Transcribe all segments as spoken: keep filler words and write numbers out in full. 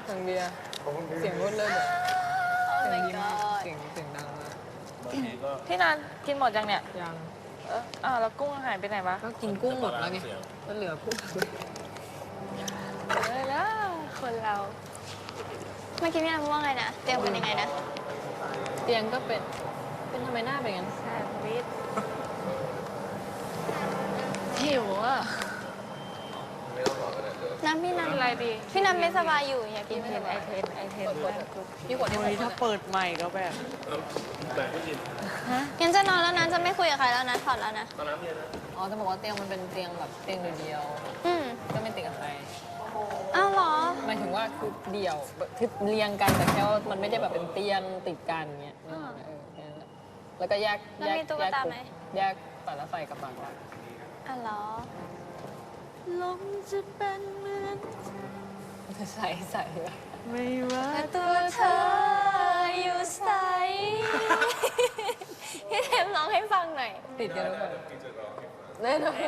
ทางเบียร์เสียงรถเลยเสียงดีมากเสียงเสียงดังมากพี่นันกินหมดยังเนี่ยยังเอออ้าวแล้วกุ้งหายไปไหนวะก็กินกุ้งหมดแล้วไงก็เหลือกุ้งเลยแล้วคนเราเมื่อกี้พี่นันพูดว่าไงนะเตรียมกันยังไงนะเตียงก็เป็นเป็นทำไมหน้าเป็นงั้นแซ่บวิทหิวอ่ะน้ำพี่นันอะไรดีพี่นันไม่สบายอยู่อยากกินไม่สบายไอเทนไอเทนพี่กดที่ถ้าเปิดใหม่ก็แบบแบบไม่กินงั้นจะนอนแล้วนะจะไม่คุยกับใครแล้วนะถอดแล้วนะตอนน้ำเย็นนะอ๋อจะบอกว่าเตียงมันเป็นเตียงแบบเตียงเดียวอืมก็ไม่ติดกับใครอ้าวเหรอหมายถึงว่าคือเดี่ยวคือเรียงกันแต่แค่ว่ามันไม่ได้แบบเป็นเตียงติดกันเงี้ยแล้วก็แยกแยกแยกแยกแต่ละไฟกับฝั่งละอ๋อเหรอลมจะเป็นเหมือนใส่ใส่ไม่ว่าตัวเธออยู่ใสพี่เทมร้องให้ฟังหน่อยติดกันหรือเปล่าแน่นอน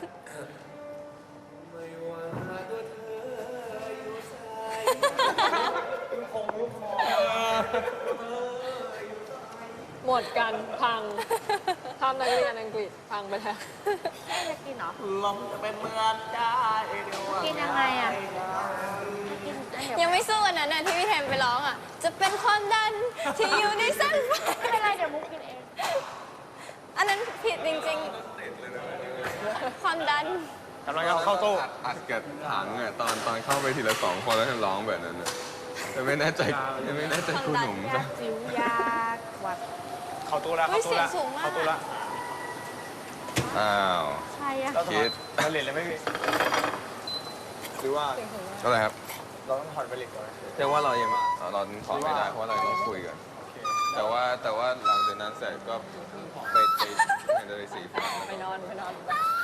หมดกันพังทำนักเรียนอังกฤษพังไปแล้วจะกินเหรอลมจะเป็นเหมือนได้กินยังไงอ่ะยังไม่สู้อันนั้นน่ะที่พี่เทมไปร้องอ่ะจะเป็นความดันที่อยู่ในเส้นไฟไม่เป็นไรเดี๋ยวมุกกินเองอันนั้นผิดจริงๆความดันกำลังจะเข้าตู้อัดกับถังอ่ะตอนตอนเข้าไปทีละสองคนแล้วร้องแบบนั้นอ่ะแต่ไม่แน่ใจไม่แน่ใจคุณหนุ่มยาจิ๋วยาวัดเข้าตู้ละเข้าตู้ละเข้าตู้ละอ้าวใช่อะคิดเราเหรียญเลยไม่มีหรือว่าอะไรครับเราต้องถอดไปเหล็กก่อนเรียกว่าเรายังเราถอดไม่ได้เพราะเราต้องคุยกันแต่ว่าแต่ว่าหลังจากนั้นเสร็จก็ไปไปไปเลยสีฟ้าไปนอนไปนอน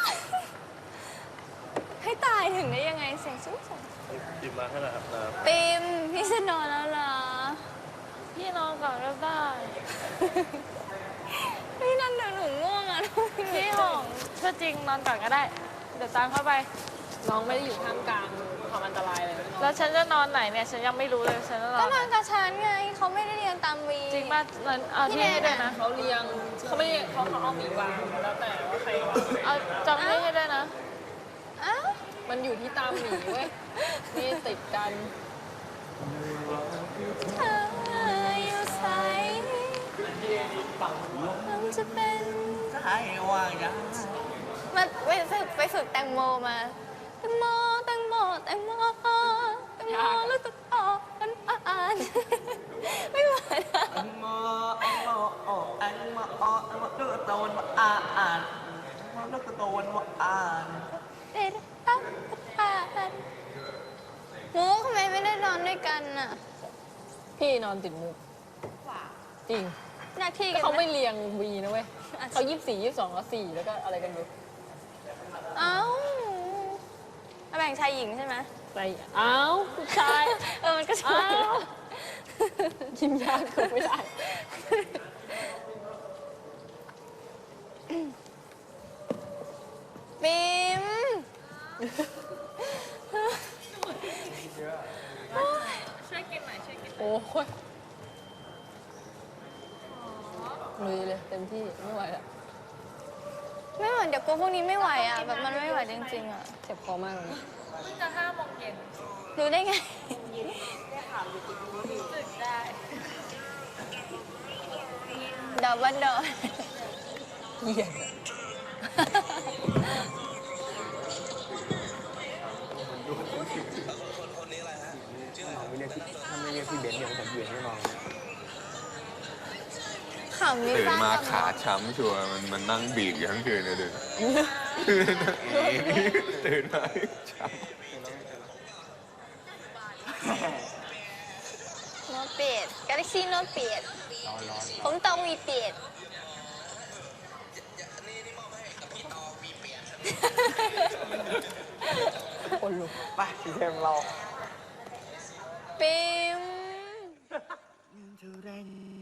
ให้ตายถึงได้ยังไงเสียงสูงปิมมาให้หน่อยครับปิมพี่จะนอนแล้วเหรอพี่นอนก่อนก็ได้พี่นั่นเดี๋ยวหนูง่วงอ่ะพี่หงถ้าจริงนอนก่อนก็ได้เดี๋ยวตามเข้าไปน้องไม่ได้อยู่ท่ามกลางความอันตรายเลยแล้วฉันจะนอนไหนเนี่ยฉันยังไม่รู้เลยฉันจะนอนก็นอนกับฉันไงเขาไม่ได้เรียงตามวีจริงป่ะนั้นเอาที่ให้ด้วยนะเขาเรียงเขาไม่เขาเขาเอาหมีวางแล้วแต่ว่าใครเอาจำให้ด้วยนะอ้าวมันอยู่ที่ตามหมีเว้ยนี่ติดกันเธออยู่ใสมันจะเป็นใช่ว่างยังมาไปฝึกไปฝึกแตงโมมาแตงโมแตงโมแตงโมแตงโมแล้วก็ต่อกันอ่านไม่ไหวนะแตงโมแตงโมโอ้แตงโมโอ้แตงโมลูกโตนมาอ่านลูกโตนมาอ่านเด็ดตั้งอ่านมุกทำไมไม่ได้นอนด้วยกันน่ะพี่นอนติดมุกจริงหน้าที่เขาไม่เรียงวีนะเว้ยเขายี่สิบสี่ยี่สิบสองแล้วสี่แล้วก็อะไรกันดูเอ้าแบ่งชายหญิงใช่ไหมใส่เอ้าผู้ชายเออมันก็ใช่กินยาคือไม่ได้ปิมช่วยกินหน่อยช่วยกินโอ้ยลุยเลยเต็มที่ไม่ไหวแล้วไม่เหมือนเดี๋ยวกูพวกนี้ไม่ไหวอ่ะแบบมันไม่ไหวจริงๆอ่ะเจ็บคอมากเลยเพิ่งจะห้าโมงเย็นรู้ได้ไงได้ข่าวอยู่ติดรู้สึกได้ดอกบันดอนเหี้ยไม่เรียกที่ถ้าไม่เรียกที่เบนซ์เนี่ยผมเบียดไม่นอนตื่นมาขาช้ำชัวร์มันมันนั่งบีบอยู่ทั้งคืนเลยเดินตื่นมาช้ำโนเปียดกาแล็กซี่โนเปียดผมตองวีเปียดคนลุกไปพี่เทมเราปิม